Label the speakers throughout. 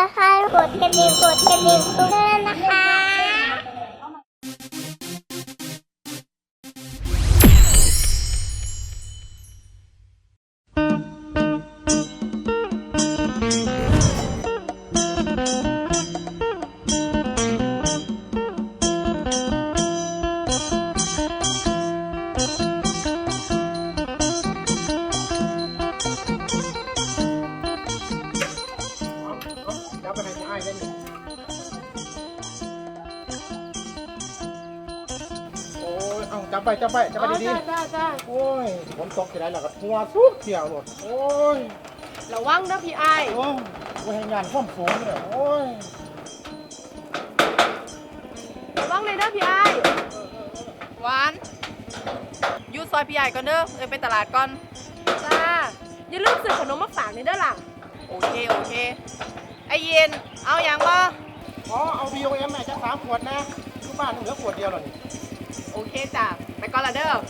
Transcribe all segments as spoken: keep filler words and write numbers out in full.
Speaker 1: บสไครต์กดกระดิ่งกดกระดิ่งด้วยนะคะ
Speaker 2: จับไปจับไปจับไปดีๆจ้าจ้าโอ้ยฝนตกที่ไหนล่ะก็หัวทุกเที่ยวหมดโอ้ย
Speaker 3: ระวังนะพี่ไอ้
Speaker 2: โอ้ยว่าให้งานความสูงเลยโอ้ย
Speaker 3: ระวังเลยนะพี่ไอ้หวานยูซอยพี่ไอ้ก่อนเด้อเอ้ยไปตลาดก่อนจ้าอย่าลืมซื้อขนมมาฝากในเด้อหลังโอเคโอเคไอเย็นเอาอย่างบ่
Speaker 2: อ๋อเอา บี โอ เอ็ม แม่จะสามขวดนะทุกบ้านเหลือขวดเดียวหรอนี่
Speaker 3: โอเคจ้ะไปก่อนละเด้อ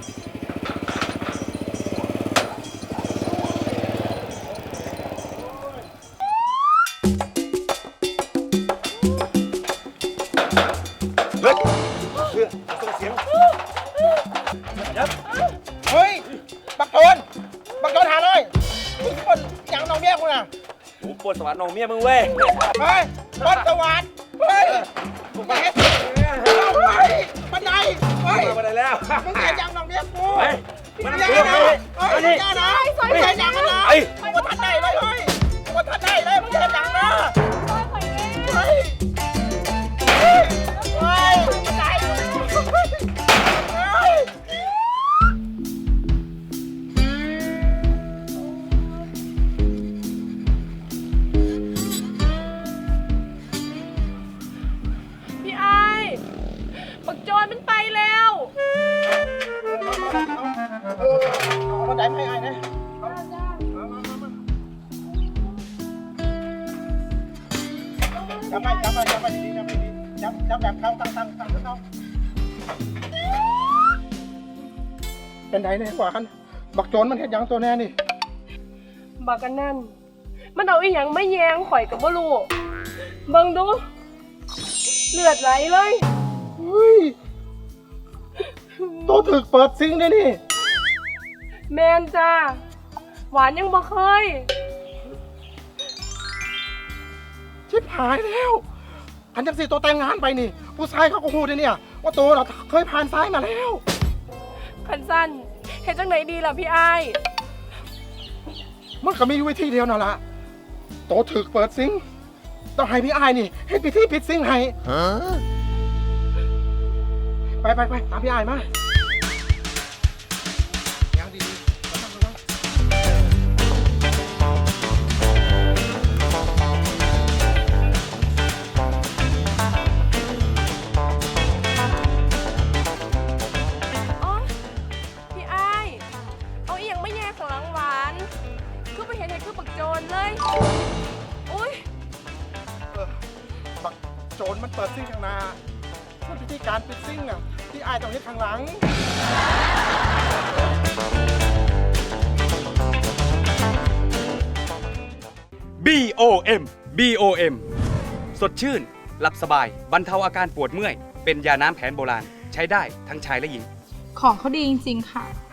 Speaker 4: เฮ้ยเพื่อส่งเสียงยับ
Speaker 2: เฮ้ยบักโจนบักโจนหาเลยมึงคนอย่างน้องเมียกูน่ะ
Speaker 4: โอ้ปวดสวัสดิ์น้องเมียมึงเว้ย
Speaker 2: เฮ้ยปวดสวัสดิ์เฮ้ยมึงเห็นเอาไปบันไดเฮ้ย
Speaker 4: มาได้แล้ว
Speaker 2: มึงเห็นอย่างน้องเมียกู
Speaker 4: ไป
Speaker 2: มันยังไงนะเฮ้ยมันยังไงนะมึงเห็นอย่างนั้นนะมึงมาทันได้เลยเฮ้ยมึงมาทันได้เลยมึงเห็นอย่างนะเฮ้ยเฮ้ยเฮ้ยบันไดเฮ้ย
Speaker 3: พี่ไอ้บักโจรมันไปแล้ว
Speaker 2: เอาบันไดไม่ไอ้นะจับไปจับไปจับไปดีๆจับไปดีจับจับแบบเขาตั้งตั้งตั้งเขาเป็นไงเนี่ยกว่ากันบักโจรมันเห็นยังตัวแน่นี่
Speaker 3: บักกันนั่นมันเอาอีหยังไม่แยงข่อยกับบ่รู้เบิ่งดูเลือดไหลเลย
Speaker 2: เฮ้ยตัวถึกเปิดซิงด้วยนี่
Speaker 3: แมนจ้าหวานยังบ่เคย
Speaker 2: ชิบหายแล้วอันจังสิตัวแต่งงานไปนี่ผู้ชายเขาก็พูดเลยเนี่ยว่าตัวเราเคยผ่านซ้ายมาแล้ว
Speaker 3: คันสั้นเห็นจังไหนดีล่ะพี่ไอ้
Speaker 2: มันก็มีวิธีเดียวนั่นแหละตัวถึกเปิดซิงต้องให้พี่ไอ้นี่ให้พิธีปิดซิงให้ไปไปไปตามพี่ไอ้มาอย่างดีๆระวังระวัง
Speaker 3: อ๋อพี่ไอ้เอาอีหยังไม่แย่ของหลังหวานคือไปเห็นเห็นคือปักโจรเลยอุ้ย
Speaker 2: บักโจรมันเปิดซิ่งข้างหน้าส่วนพิธีการปิดซิ่งอ่ะพี่ไอ้ต้องเฮ็ดข้างหลัง
Speaker 5: บี โอ เอ็ม บี โอ เอ็ม สดชื่น หลับสบาย บรรเทาอาการปวดเมื่อย เป็นยาน้ำแผนโบราณ ใช้ได้ทั้งชายและหญิง
Speaker 6: ของเขาดีจริงๆค่ะ